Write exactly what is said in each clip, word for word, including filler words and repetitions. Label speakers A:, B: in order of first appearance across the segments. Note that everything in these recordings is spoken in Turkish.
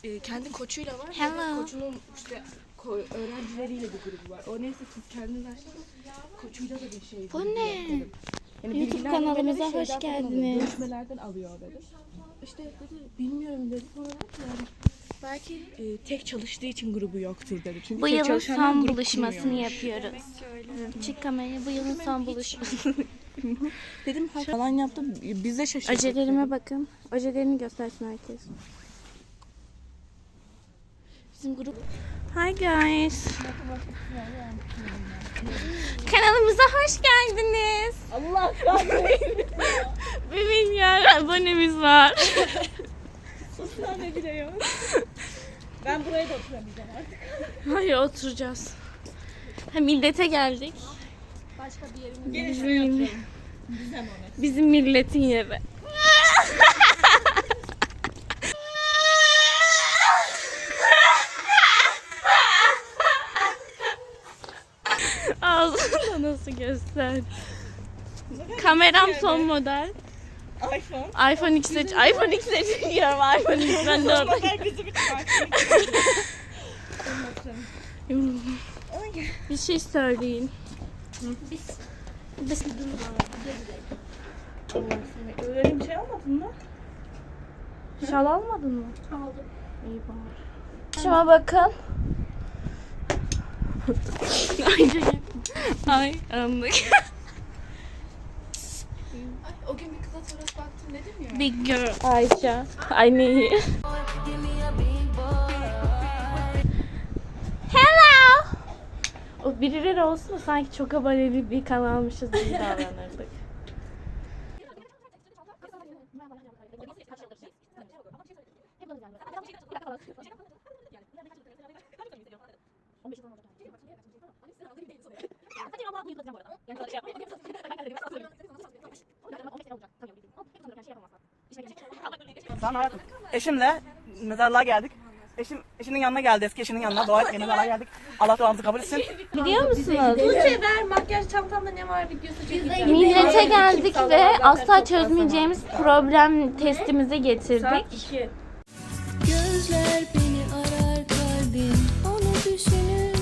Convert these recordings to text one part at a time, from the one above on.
A: e, kendi koçuyla var.
B: Hello.
A: Koçunun işte ko- öğrencileriyle bir grubu var. O neyse siz kendiniz açtınız. Koçuyla da bir şey.
B: Bu ne?
A: Yani
B: YouTube
A: bilgiler
B: kanalımıza
A: böyle
B: hoş
A: şeyden falan alıyor,
B: geldiniz.
A: Görüşmelerden alıyor dedi. İşte dedi bilmiyorum dedi. Sonra dedi ki yani belki e, tek çalıştığı için grubu yoktur dedi. Çünkü
B: Bu
A: tek
B: yılın
A: çalışanlar
B: son
A: grup
B: buluşmasını
A: kurmuyormuş.
B: yapıyoruz. Çık kamerayı, bu yılın son buluşması.
A: Dedim falan yaptım. Biz de şaşırdık.
B: Ojelerime bakın. Ojelerini göstersin herkes. Bizim grup. Hi guys. Kanalımıza hoş geldiniz.
A: Allah kahretsin.
B: Bir milyar abonemiz var.
A: Ne bile yok. Ben buraya da oturamayacağım artık.
B: Hayır, oturacağız. Ha, millete geldik.
A: Başka bir yerimiz
B: Gelin şuraya oturalım. Bizim, bizim milletin yeri. Ağzında nasıl göster? Kameram son model.
A: iPhone.
B: iPhone X seç. iPhone X seçiyorum. iPhone X ben de orada. Bir şey söyleyin. Biz biz
A: Öyle bir şey almadın mı?
B: şal almadın mı? Aldım. İyi bari. Şuna bakın. Ay canım. Ay anlık.
A: O gün bir kıza fotoğraf baktım dedim ya.
B: Big girl Ayça. Ay ne? Hello. O birileri olsun da sanki çok aboneli bir kanalmışız gibi davranırdık.
C: Tamam hayatım. Eşimle mezarlığa geldik. Eşim eşinin yanına geldi, eski eşinin yanına. Dua etmeye mezarlığa geldik. Allah duamızı kabul etsin.
B: Biliyor musunuz?
A: Tuğçe ver makyaj çantamda ne var videosu çekeceğim.
B: Millete geldik ve asla çözmeyeceğimiz problem testimizi getirdik.
D: Gözler beni arar, kalbim onu düşünür.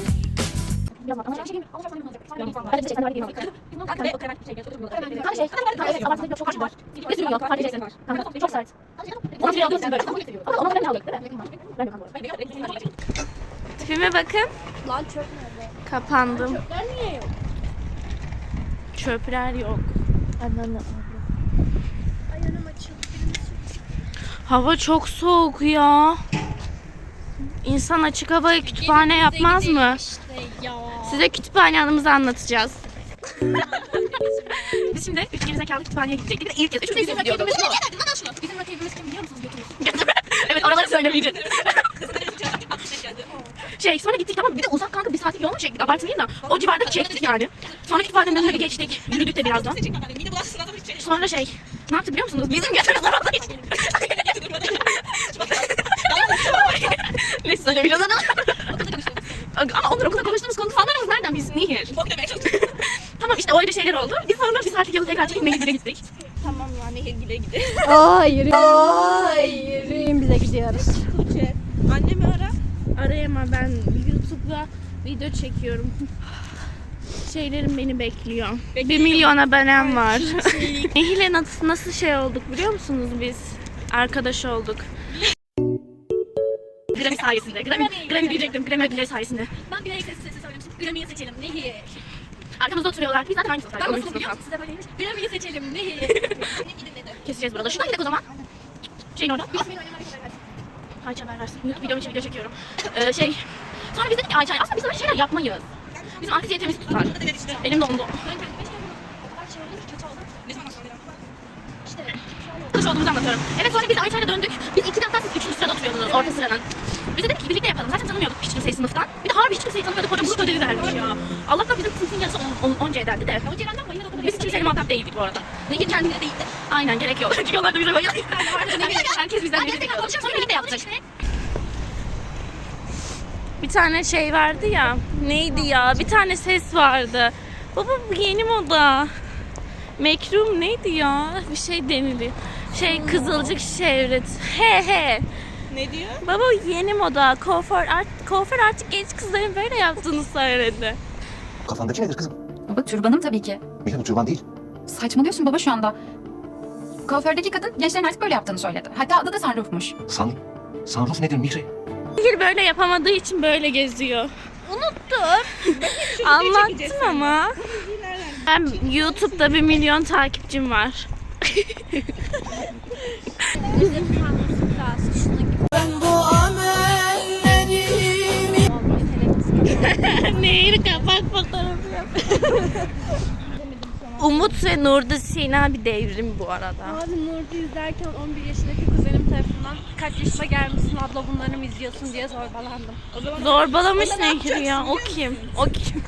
B: Tipime bakın.
A: Lan çöp nerede?
B: Kapandım.
A: Çöpler niye yok?
B: Çöpler yok.
A: Ayağım açıldı.
B: Hava çok soğuk ya. İnsan açık havaya kütüphane yapmaz mı? Size kütüphane anımızı anlatacağız. Biz şimdi üç gerizekalı kütüphaneye gidecektik. Bir de ilk kez üçümüz bizim gidiyorduk.
A: Bizim rakibimiz kim biliyor musunuz?
B: Evet, oraları söylemeyeceğiz. Şey sonra gittik, tamam, bir de uzak kanka, bir saatlik yol mu çektik, abartmayayım da o civarda çektik yani. Sonra kütüphanenin önüne geçtik, yürüdük de birazdan. Sonra şey, ne yaptık biliyor musunuz? Bizim götümüz orada hiç. Neyse söylemeyeceğiz ama. Ama onlar okulda konuştuğumuz konu fanlarımız nereden bilsin, niye? Tamam işte öyle şeyler oldu. Biz sonra bir saatlik yolu tekrar çekip Nehir'e gittik.
A: Tamam ya Nehirgil'e gidelim.
B: Ay yürüyün. Ay yürüyün, bize gidiyoruz.
A: Tuğçe annemi ara.
B: Arayama, ben YouTube'da video çekiyorum. Şeylerim beni bekliyor. Bir milyon abonem var. Nehir'le nasıl, nasıl şey olduk biliyor musunuz biz? Arkadaş olduk. Grammy sayesinde. Grammy, Grammy diyecektim. Grammy ödülleri sayesinde.
D: Ben bir sesi sesi söylemiştim. Grammy'yi seçelim. Nehir.
B: Arkamızda oturuyorlar. Biz zaten aynı sınıftaydık.
D: Ben
B: Onuncu
D: nasıl biliyor
B: sınıftan.
D: musun? Size böyleymiş. Grammy'yi seçelim. Nehir.
B: Keseceğiz burada. Şuradan gidelim o zaman. Şeyin orada. Ayça haber versin. YouTube videom için video çekiyorum. Ee, şey. Sonra biz dedik ki Ayça'ya aslında biz böyle şeyler yapmayız. Bizim anksiyetemiz tutar. Elim dondu. Kış olduğumuzu anlatıyorum. Evet, sonra biz Ayça'yla döndük. Biz iki hatta siz üçüncü sırada oturuyordunuz, orta sıranın. Biz de dedik ki birlikte yapalım. Zaten tanımıyorduk hiç kimseyi sınıftan. Bir de harbi hiç kimseyi tanımıyorduk. Hoca grup ödevi vermiş ya. Allah'tan bizim sınıfın yarısı onca ederdi de. Biz kimseyle muhatap değildik bu arada. Nehir kendine değildi. Aynen, gerek yok. Çünkü onlar da bize bayılıyor. Herkes bizden biri bekliyordu. Sonra birlikte yaptık. Bir tane şey vardı ya. Neydi ya? Bir tane ses vardı. Baba bu yeni moda. Mekrum neydi ya? Bir şey deniliyor. Şey, Kızılcık Şevret. He he.
A: Ne diyor?
B: Baba yeni moda. Kuaför, art, kuaför artık genç kızların böyle yaptığını söyledi.
E: Kafandaki nedir kızım?
F: Baba türbanım tabii ki.
E: Mihri bu türban değil.
F: Saçmalıyorsun baba şu anda. Kuafördeki kadın gençlerin artık böyle yaptığını söyledi. Hatta adı da sunroofmuş.
E: San, sunroof nedir Mihri?
B: Nehir böyle yapamadığı için böyle geziyor. Unuttum. Anlattım ama. Ben YouTube'da bir milyon takipçim var. Nehir kapak fotoğrafı yap. Umut ve Nurda Sina bir devrim bu arada.
G: Abi Nurcu izlerken on bir yaşındaki kuzenim tarafından kaç yaşına gelmişsin abla bunları mı izliyorsun diye zorbalandım. O zaman
B: Zorbalamış Nehir ya. O kim? O kim?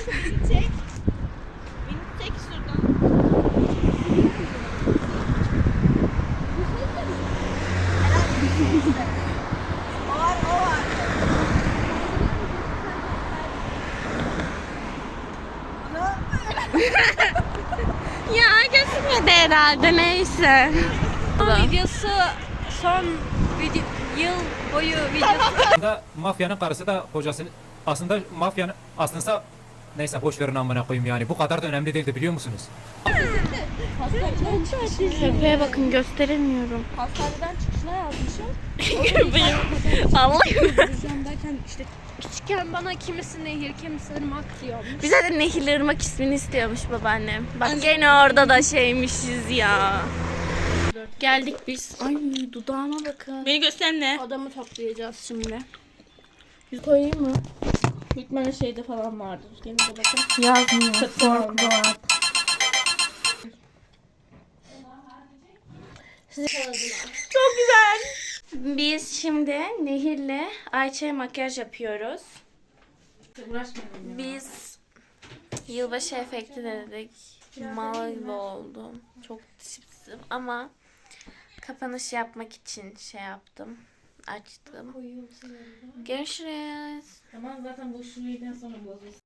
B: Ya gözükmedi herhalde neyse.
G: videosu son video, yıl boyu videosu.
H: Aslında mafyanın karısı da kocasını aslında mafyanın aslında neyse boş verin amına koyayım yani bu kadar da önemli değildi biliyor musunuz?
B: Köpeğe bakın gösteremiyorum.
A: Hastaneden çıkışına yazmışım.
B: Köpeğim. Allah'ım.
G: Hocam derken işte küçükken bana kimisi nehir kimisi ırmak diyormuş.
B: Bize de Nehirli Irmak ismini istiyormuş babaannem. Bak gene orada da şeymişiz ya. Geldik biz. Ay dudağıma bakın.
A: Beni göster ne?
G: Adamı toplayacağız şimdi.
A: Yüz koyayım mı? Bitmene şeyde falan vardır. Gene de bakın.
B: Yazmıyor.
A: Korku var. Çok güzel.
B: Biz şimdi Nehir'le Ayça'ya makyaj yapıyoruz. Biz yılbaşı efekti denedik. Mal gibi oldum. Çok tipsim ama kapanış yapmak için şey yaptım. Açtım. Görüşürüz.
A: Tamam zaten bu şurayı sonra bozulsun.